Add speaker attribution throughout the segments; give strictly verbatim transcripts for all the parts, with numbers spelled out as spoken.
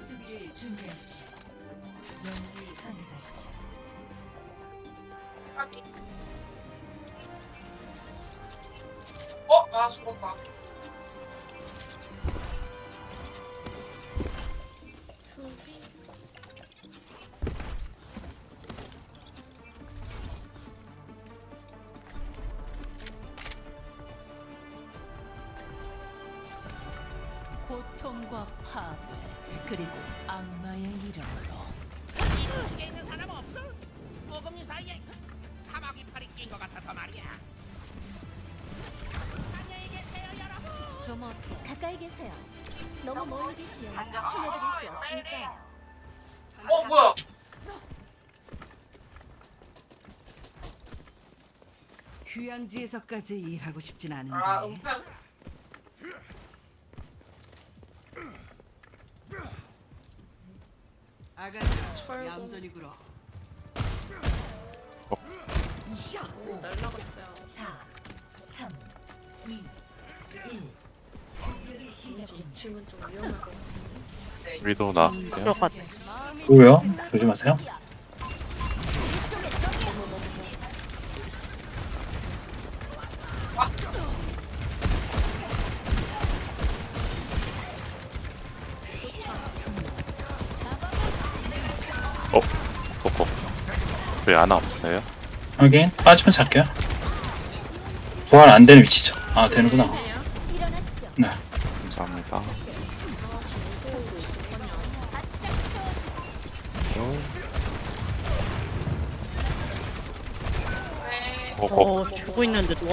Speaker 1: 수비를 준비하십시오. 영웅을 선택하십시오.
Speaker 2: 어? 아 죽었다.
Speaker 1: 고통과 파괴 그리고 악마의 이름으로
Speaker 3: 이 도시에 있는 사람 없어? 어금니 사이에 사마귀 팔이 낀 것 같아서 말이야. 안녕히 계세요, 여러분.
Speaker 1: 좀 어때?
Speaker 4: 가까이 계세요. 너무 멀리 계시면 살려드릴 수 없으니까요.
Speaker 2: 어 뭐야?
Speaker 5: 휴양지에서까지 일하고 싶진 않은데.
Speaker 2: 아 음파.
Speaker 5: 아가씨 얌전히 굴어.
Speaker 4: 날라갔어요.
Speaker 1: 사, 삼, 이, 일. 공격이 시작됩니다.
Speaker 4: 지금 좀 위험하고.
Speaker 6: 위도 나왔어요.
Speaker 7: 들어갔.
Speaker 8: 뭐요? 조심하세요.
Speaker 6: 어? 그거 왜 하나 없어요?
Speaker 8: 확인. 빠지면 살게요. 부활 안 되는 위치죠. 아 되는구나.
Speaker 4: 일어나시죠.
Speaker 8: 네.
Speaker 6: 감사합니다. 어, 어,
Speaker 7: 어, 죽고 있는데 누웠.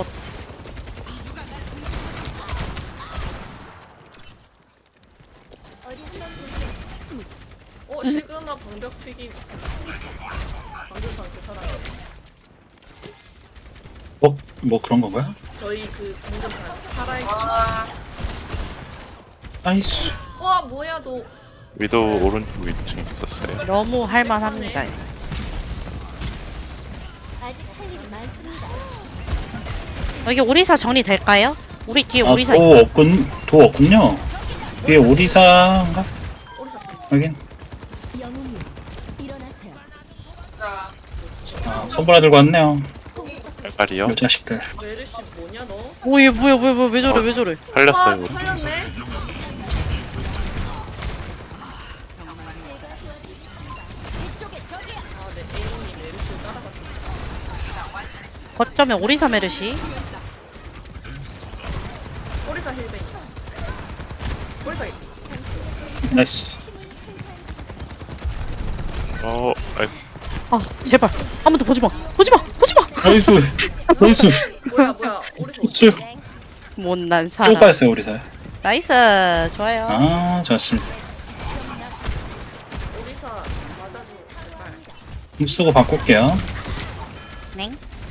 Speaker 4: 어, 시그마 방벽 튀김. 방벽한테 살아요.
Speaker 8: 어? 뭐 그런 건가요?
Speaker 4: 저희 그 방금 살아있.
Speaker 2: 아
Speaker 8: 아이씨.
Speaker 4: 와, 뭐야 너.
Speaker 6: 위도 오른쪽 위층에 있었어요.
Speaker 7: 너무 할만합니다.
Speaker 4: 아직 할 일이 많습니다.
Speaker 7: 여기 오리사 정리될까요? 우리 뒤에
Speaker 8: 아,
Speaker 7: 오리사
Speaker 8: 도 없군. 도 없군요. 위에 오리사인가?
Speaker 4: 오리사
Speaker 8: 확인.
Speaker 4: 영웅님, 일어나세요.
Speaker 2: 진짜.
Speaker 8: 아, 선보라 들고 왔네요.
Speaker 6: 빨리요.
Speaker 8: 요 자식들.
Speaker 4: 메르시 뭐냐 너?
Speaker 7: 오, 얘 뭐야, 뭐야, 뭐야, 왜 저래, 왜 저래?
Speaker 6: 살렸어요.
Speaker 4: 아, 살렸네. 아, 네, 에임이 메르시를 따라가지고.
Speaker 7: 거점에 오리사 메르시.
Speaker 4: 오리사 힐베이. 오리사 힐.
Speaker 8: 나이스.
Speaker 6: 어, 아이,
Speaker 7: 아, 제발. 한 번 더 보지 마. 보지 마. 보지 마.
Speaker 8: 나이스. 나이스.
Speaker 4: 뭐야 뭐야 오리사.
Speaker 8: 쭉.
Speaker 7: 못난
Speaker 8: 쭉
Speaker 7: 사람.
Speaker 8: 빠졌어요 오리사.
Speaker 7: 나이스. 좋아요.
Speaker 8: 아 좋았습니다.
Speaker 4: 오리사 맞아줘 제발.
Speaker 8: 힘 쓰고 바꿀게요.
Speaker 7: 네.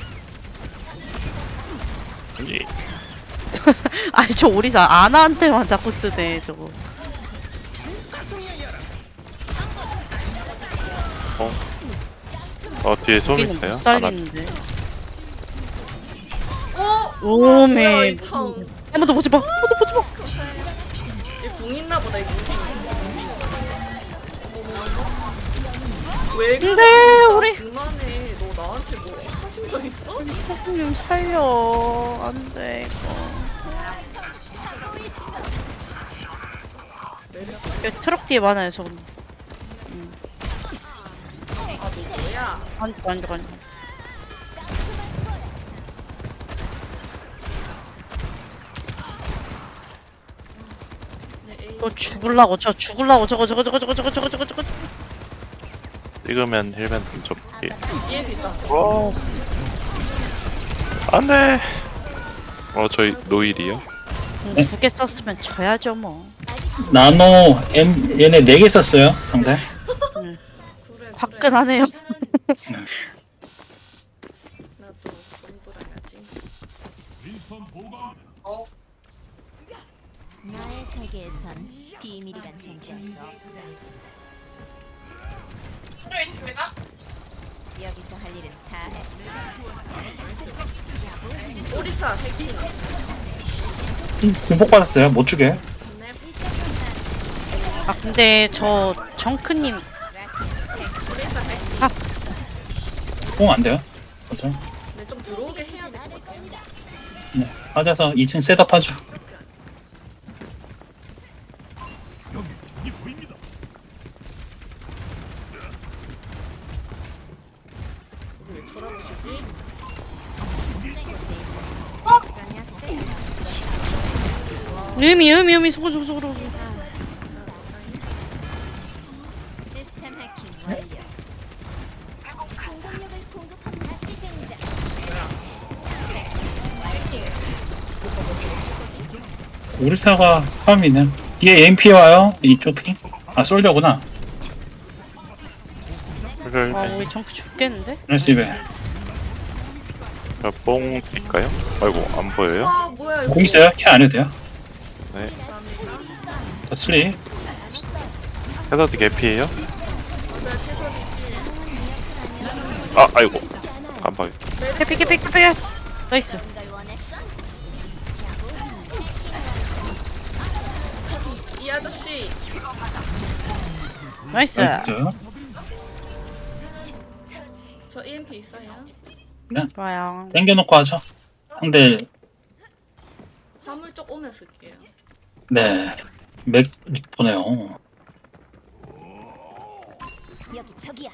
Speaker 6: 이,
Speaker 7: 아니, 저 오리사 아나한테만 자꾸 쓰네, 저거.
Speaker 6: 어, 어 뒤에 솜
Speaker 7: 여기는
Speaker 6: 있어요?
Speaker 7: 못
Speaker 6: 하나.
Speaker 7: 살리는데.
Speaker 4: 어?
Speaker 7: 오메.
Speaker 4: 뭐야 이 참.
Speaker 7: 한 번 더 보지 마. 한 번 더 보지 마.
Speaker 4: 얘궁 있나 보다 이 무빙. 왜 그래?
Speaker 7: 근데 우리
Speaker 4: 그만해. 너 나한테 뭐 하신 적 있어?
Speaker 7: 좀 살려. 안 돼, 이거. 여기 트럭 뒤에 많아요, 저.
Speaker 4: 아, 너 뭐야?
Speaker 7: 안 죽어, 안 죽어, 안 죽어.
Speaker 4: 내 에임.
Speaker 7: 또 죽을라고, 저 죽을라고, 저거, 저거, 저거, 저거, 저거, 저거, 저거, 저거.
Speaker 6: 찍으면 힐벤 좀 접기.
Speaker 4: 이해도 있다.
Speaker 6: 어, 안돼. 어, 저희 노일이요?
Speaker 8: 네.
Speaker 7: 두 개 썼으면 져야죠, 뭐.
Speaker 8: 나노 M 얘네 네 개 썼어요 상대.
Speaker 4: 그래.
Speaker 7: 화끈하네요.
Speaker 4: 나도 공부해야지.
Speaker 2: 어
Speaker 4: 나의 세계에선 비밀이란 존재할 수 없어.
Speaker 2: 필요 있습니다.
Speaker 4: 여기서 할 일은 다 했어. 오리사 핵심.
Speaker 8: 공폭 받았어요. 못 주게.
Speaker 4: 네.
Speaker 7: 아 근데 저 정크님
Speaker 8: 뽕 안 돼요? 맞아.
Speaker 9: 근데 좀 들어오게 해야 될 것 같아.
Speaker 8: 네. 맞아서 이 층 셋업하죠.
Speaker 9: 왜 쳐다보시지?
Speaker 7: 의미 의미 의미 소고 소고 소고 소고.
Speaker 4: 시스템 해킹 완료. 공격력을 공급한 다시 등장.
Speaker 8: 오리사가 파밍이네. 뒤에 엠피 와요. 이쪽 핑. 아 솔저구나.
Speaker 6: 힐벤.
Speaker 7: 아 우리 정크 죽겠는데?
Speaker 8: 나이스 이베.
Speaker 6: 뽕 드릴까요? 아이고 안 보여요?
Speaker 9: 와 뭐야 이거.
Speaker 8: 공 있어요? 캐 안 해도 돼요?
Speaker 6: 네.
Speaker 8: 저 슬리.
Speaker 6: 헤더드 개피예요?
Speaker 9: 네, 태설이
Speaker 6: 아 아이고 깜빡이.
Speaker 7: 캐피 캐피 캐피. 나이스.
Speaker 4: 걸 원했어?
Speaker 9: 이 아저씨
Speaker 7: 나이스.
Speaker 8: 나이스.
Speaker 9: 저 이엠피 있어요?
Speaker 7: 좋아요.
Speaker 8: 땡겨놓고 하죠. 상대
Speaker 9: 화물 쪽 오면 쓸게요.
Speaker 8: 네. 맥 보네요.
Speaker 4: 여기 저기야.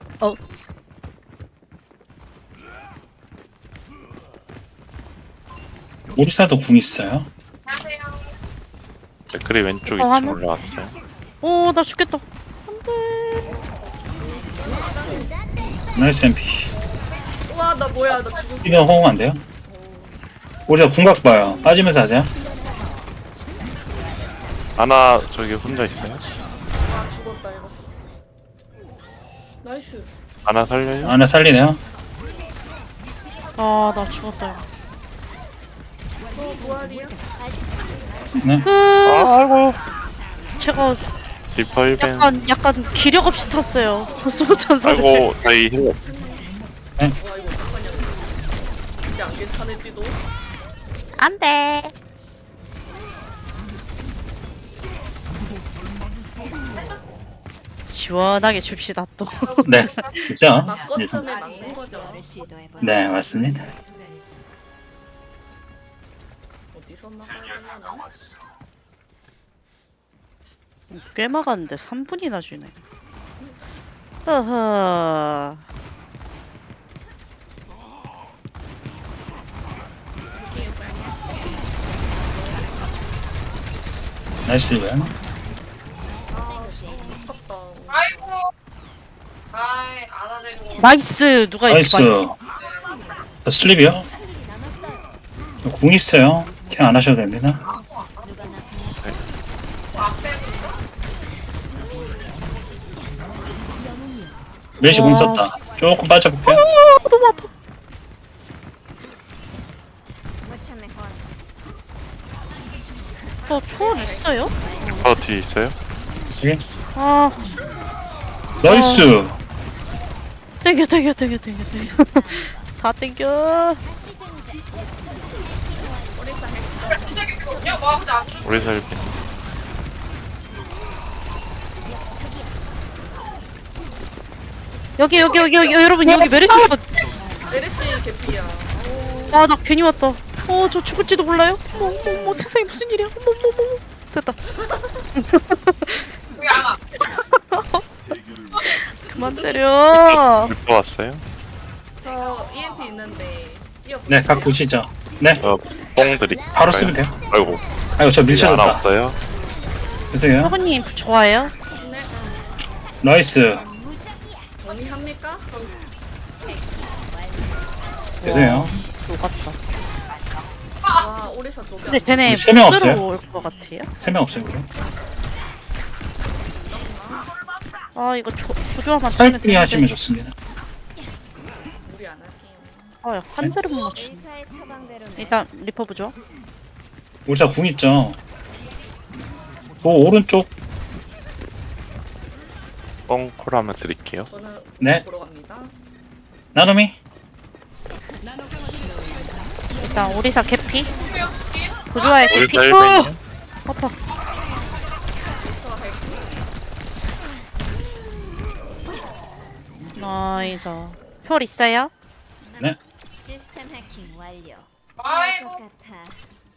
Speaker 8: 오리사도 궁 있어요.
Speaker 2: 안녕하세요.
Speaker 6: 댓글이 왼쪽
Speaker 7: 어,
Speaker 6: 이
Speaker 7: 하나?
Speaker 6: 층 올라왔어요.
Speaker 7: 오 나 죽겠다.
Speaker 8: 나이스 엠피.
Speaker 9: 우와 나 뭐야 나 지금
Speaker 8: 이거 호응 안 돼요? 우리가 궁각 봐요. 빠지면서 하자.
Speaker 6: 하나 저기 혼자 있어요?
Speaker 9: 아 죽었다 이거. 나이스.
Speaker 6: 하나 살려요?
Speaker 8: 안에 살리네요.
Speaker 7: 아 나 죽었다.
Speaker 9: 저 부활이야?
Speaker 8: 네.
Speaker 6: 아 아이고.
Speaker 7: 제가
Speaker 6: 리퍼 힐벤.
Speaker 7: 약간 약간 기력 없이 탔어요. 소천사를.
Speaker 6: 아이고 저희 힐.
Speaker 9: 와 이거 어떡하냐. 이제 안 괜찮을지도.
Speaker 7: 안돼. 시원하게 줍시다 또.
Speaker 8: 네. 그죠?
Speaker 9: 막거점에 막는 거죠.
Speaker 8: 네, 맞습니다.
Speaker 9: 어디서 막아야 되나?
Speaker 7: 꽤 막았는데 삼 분이나 주네. 허허.
Speaker 8: 나이스 이베.
Speaker 9: 아깝다.
Speaker 2: 아이고. 아이 안아내고.
Speaker 7: 나이스. 누가 이렇게
Speaker 8: 나이스.
Speaker 7: 많이.
Speaker 8: 저 슬립이요? 저궁 있어요. 캐 안 하셔도 됩니다.
Speaker 2: 앞에
Speaker 8: 메시 궁
Speaker 7: 와.
Speaker 8: 썼다. 조금 빠져볼게요.
Speaker 7: 어, 너무 아파. 저 초월 있어요?
Speaker 6: 저 뒤에 있어요?
Speaker 8: 여기.
Speaker 7: 아
Speaker 8: 나이스.
Speaker 7: 땡겨 땡겨 땡겨 땡겨 땡겨. 다 땡겨.
Speaker 2: 시작이 되거든요. 와 근데 안 죽.
Speaker 6: 우리 살빈.
Speaker 7: 여기 여기 여기 여기 여러분 여기 메르시.
Speaker 9: 메르시 개피야.
Speaker 7: 아 나 괜히 왔다. 어 저 죽을지도 몰라요. 어머 어머 어머 세상에 무슨 일이야. 어머 어머 어머. 됐다.
Speaker 2: 여기 안아.
Speaker 7: 그만 때려.
Speaker 6: 리퍼 왔어요?
Speaker 9: 저 이엠피 있는데 뛰어.
Speaker 8: 네, 각 보시죠. 네,
Speaker 6: 저뽕 드릴까요?
Speaker 8: 바로 쓰면 돼요.
Speaker 6: 아이고
Speaker 8: 아이고, 저
Speaker 6: 하나
Speaker 8: 밀쳐졌다.
Speaker 6: 없어요?
Speaker 8: 죄송해요.
Speaker 7: 사모님 좋아요?
Speaker 9: 네.
Speaker 8: 나이스.
Speaker 9: 정리합니까?
Speaker 8: 죄송해요.
Speaker 7: 녹았다.
Speaker 9: 와 오리사 조개.
Speaker 7: 근데 쟤네
Speaker 8: 세명
Speaker 7: 못
Speaker 8: 없어요?
Speaker 7: 들어올 것 같아요?
Speaker 8: 세 명 없어요, 우리.
Speaker 7: 아 이거 조, 조조하면
Speaker 8: 살피 하시면 좋습니다.
Speaker 9: 우리 안 할게요.
Speaker 7: 아야 한 대를 못 맞추네.
Speaker 4: 의사의 처방대로는
Speaker 7: 일단 리퍼 부죠.
Speaker 8: 우리사 궁 있죠. 그 오른쪽.
Speaker 6: 뽕콜 한번 드릴게요.
Speaker 9: 저는
Speaker 8: 네.
Speaker 9: 보러 갑니다.
Speaker 8: 나눔이.
Speaker 7: 일단 오리사 개피. 부조화의
Speaker 6: 우리
Speaker 7: 개피.
Speaker 6: 살빈이요?
Speaker 7: 아파. 나이스. 혈 있어요?
Speaker 4: 시스템 해킹 완료.
Speaker 2: 아이고.
Speaker 4: 것 같아.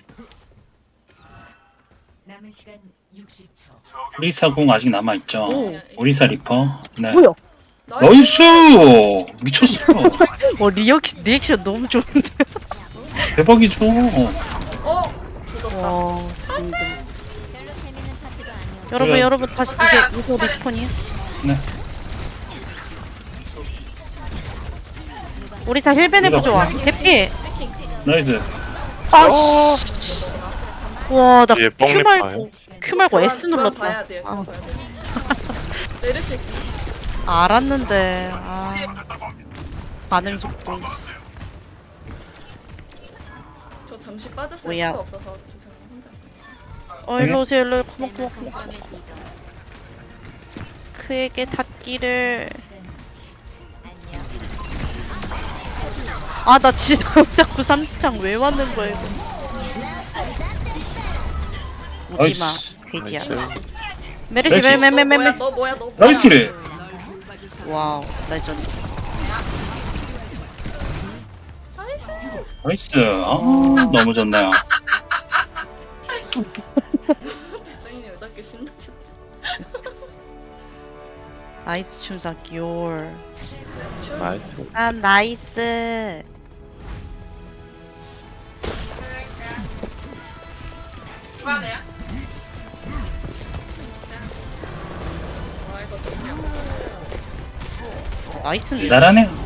Speaker 1: 남은 시간 육십 초.
Speaker 8: 오리사 궁 아직 남아있죠.
Speaker 7: 오.
Speaker 8: 오리사 리퍼. 네.
Speaker 7: 뭐야?
Speaker 8: 나이스! 미쳤어.
Speaker 7: 어 리액 리액션 너무 좋은데.
Speaker 8: 대박이죠.
Speaker 9: 어 조졌다.
Speaker 7: 와.
Speaker 4: 별로 재밌는 파티가 아니었어.
Speaker 7: 여러분
Speaker 8: 그래.
Speaker 7: 여러분 다시 이제 이거 리스폰이에요?
Speaker 8: 네.
Speaker 7: 우리사 힐벤의 부조화. 개피.
Speaker 8: 나이스.
Speaker 7: 아씨. 와, 나
Speaker 6: 뒤에
Speaker 7: Q
Speaker 6: 뻥
Speaker 7: 말고 Q 말고 S
Speaker 9: 교환
Speaker 7: 눌렀다.
Speaker 9: 봐야 돼요.
Speaker 7: 아,
Speaker 9: 교환 봐야 돼요. 메르시
Speaker 7: 알았는데. 아. 반응 속도.
Speaker 9: 저 잠시 빠졌을
Speaker 7: 뭐야.
Speaker 9: 수가 없어서 죄송해요. 혼자.
Speaker 7: 어, 일로 오세요, 일로. 고마, 고마,
Speaker 4: 시스템
Speaker 7: 고마.
Speaker 4: 공간의 리더.
Speaker 7: 그에게 닿기를.
Speaker 4: 안녕.
Speaker 7: 아, 나 진짜 자꾸 삼지창 왜 왔는 거야, 이거. 오지마,
Speaker 8: 나이스.
Speaker 7: 돼지야.
Speaker 6: 나이스.
Speaker 7: 메르시,
Speaker 8: 메르시.
Speaker 7: 메, 메, 메,
Speaker 9: 너
Speaker 7: 메,
Speaker 9: 뭐야?
Speaker 7: 메.
Speaker 9: 너 뭐야? 너 뭐야?
Speaker 8: 나이스!
Speaker 7: 와우, 레전드.
Speaker 8: 나이스. 아, 너무 좋네요.
Speaker 9: 대장님 왜 저렇게 신나셨죠?
Speaker 7: 나이스 춤사 기올.
Speaker 6: 나이스.
Speaker 7: 아, 나이스.
Speaker 2: 이만해요?
Speaker 9: 와 이거 너무
Speaker 7: 나이스인데.
Speaker 8: 대단하네.